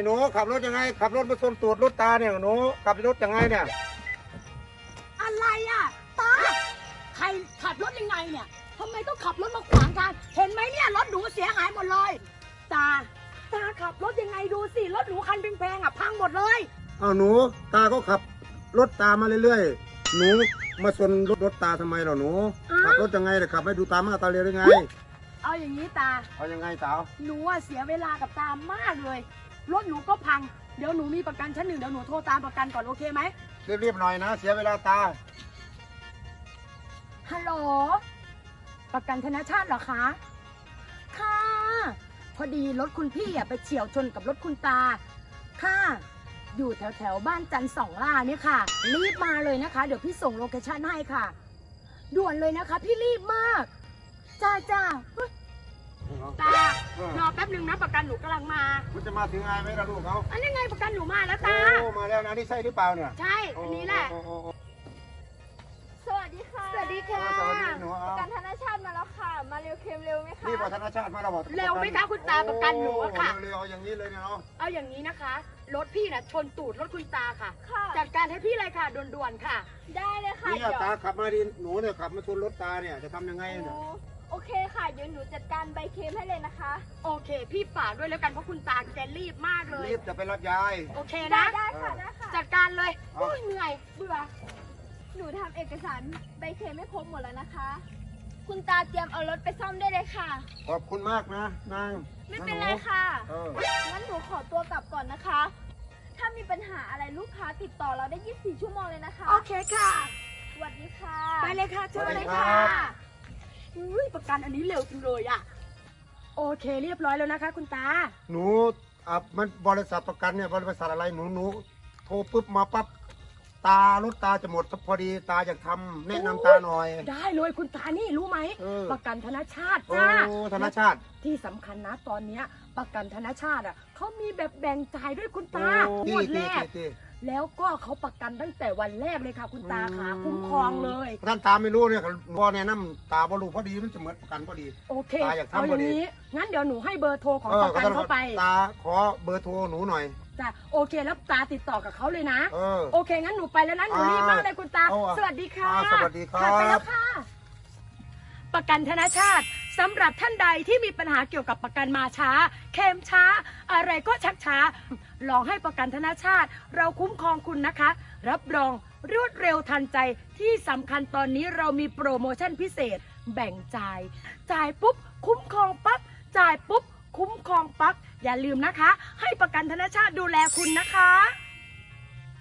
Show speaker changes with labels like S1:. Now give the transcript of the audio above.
S1: หนูขับรถยังไงขับรถมาชนตูดรถตาเนี่ยหนูขับรถยังไงเนี่ย
S2: อะไรอ่ะตาใครขับรถยังไงเนี่ยทำไมต้องขับรถมาขวางทางเห็นไหมเนี่ยรถหนูเสียหายหมดเลยตาขับรถยังไงดูสิรถหนูคันแพงๆอ่ะพังหมดเลย
S1: อ้าวหนูตาก็ขับรถตามมาเรื่อยๆหนูมาชนรถตาทำไมเหรอหนูขับรถยังไงเนี่ยขับให้ดูตามาตาเรือยังไง
S2: เอาอย่างนี้ตา
S1: เอายังไงสาว
S2: หนูเสียเวลากับตามากเลยรถหนูก็พังเดี๋ยวหนูมีประกันชั้นหนึ่งเดี๋ยวหนูโทรตามประกันก่อนโอเคไหม
S1: รีบๆหน่อยนะเสียเวลาตา
S2: ฮัลโหลประกันธนชาติเหรอคะค่ะพอดีรถคุณพี่ไปเฉี่ยวชนกับรถคุณตาค่ะอยู่แถวบ้านจันทร์2 ล่าเนี่ยค่ะรีบมาเลยนะคะเดี๋ยวพี่ส่งโลเคชั่นให้ค่ะด่วนเลยนะคะพี่รีบมากจ้าตารอแป๊บนึงนะประกันหนูกำลังมา
S1: คุณจะมาถึงไงไหมล่ะลูกเขา
S2: อันนี้ไงประกันหนูมาแล้วตา
S1: มาแล้วนะนี่ใช่หรือเปล่าเนี่ย
S2: ใช่อันนี้แหละ
S3: สวัสดีค่ะ
S2: สวัสดีค่ะ
S3: ประกันธนชาติมาแล้วค่ะมาเร็วเค็มเร็วไหมคะ
S1: นี่ประกันธนชาติมาแล้ว
S2: เร็วไหมคะคุณตาประกันหนูค่ะ
S1: เร็วอย่างนี้เลยเนาะ
S2: เอาอย่างนี้นะคะรถพี่น่ะชนตูดรถคุณตาค่ะจัดการให้พี่เลยค่ะด่วนๆค่ะ
S3: ได้เลยค่ะ
S1: นี่ตาขับมาดิหนูเนี่ยขับมาชนรถตาเนี่ยจะทำยังไงเนี่ย
S3: โอเคค่ะเดี๋ยวหนูจัดการใบเค็มให้เลยนะคะ
S2: โอเคพี่ฝากด้วยแล้วกันเพราะคุณตาแกรีบมากเลย
S1: รีบจะไปรับยาย
S2: โอเคนะ
S3: ได้ค่ะ
S2: จัดการเลยเหนื่อยเบื่อ
S3: หนูทำเอกสารใบเค็มไม่ครบหมดแล้วนะคะคุณตาเตรียมเอารถไปซ่อมได้เลยค่ะ
S1: ขอบคุณมากนะนาง
S3: ไม่เป็นไรค่ะงั้นหนูขอตัวกลับก่อนนะคะถ้ามีปัญหาอะไรลูกค้าติดต่อเราได้24 ชั่วโมงเลยนะคะ
S2: โอเคค่ะ
S3: สวัสดีค่ะ
S2: ไปเลยค่ะเชิญเลยค่ะประกันอันนี้เร็วจังเลยอ่ะโอเคเรียบร้อยแล้วนะคะคุณตา
S1: หนูมันบริษัทประกันเนี่ยบริษัทอะไรหนูโทรปุ๊บมาปั๊บรถตาจะหมดพอดีตาอยากทำแนะนำตาหน่อย
S2: ได้เลยคุณตานี่รู้ไหมประกันธนชาติจ้า
S1: ธนชาติ
S2: ที่สำคัญนะตอนนี้ประกันธนชาติเขามีแบบแบ่งจ่ายด้วยคุณตาหมดแรกแล้วก็เขาประกันตั้งแต่วันแรกเลยค่ะคุณตาค่ะคุ้มครองเลย
S1: ท่านตาไม่รู้เนี่ยพอแนะนำตาบอลูพอดีมันจะเหมือนประกันพอดี
S2: โอเคตาอยากทำพอดีงั้นเดี๋ยวหนูให้เบอร์โทรของประกันเข้าไป
S1: ตาขอเบอร์โทรหนูหน่อย
S2: จ้ะโอเคแล้วตาติดต่อกับเขาเลยนะโอเคงั้นหนูไปแล้วนะหนูรีบมากเลยคุณตาสวัสดีค่ะ
S1: สวัสดีครับ
S2: ไปแล้วค่ะประกันธนชาติสำหรับท่านใดที่มีปัญหาเกี่ยวกับประกันมาช้าเค็มช้าอะไรก็ชักช้าลองให้ประกันธนชาติเราคุ้มครองคุณนะคะรับรองรวดเร็วทันใจที่สำคัญตอนนี้เรามีโปรโมชั่นพิเศษแบ่งจ่ายปุ๊บคุ้มครองปั๊บจ่ายปุ๊บคุ้มครองปั๊บอย่าลืมนะคะให้ประกันธนชาติดูแลคุณนะคะ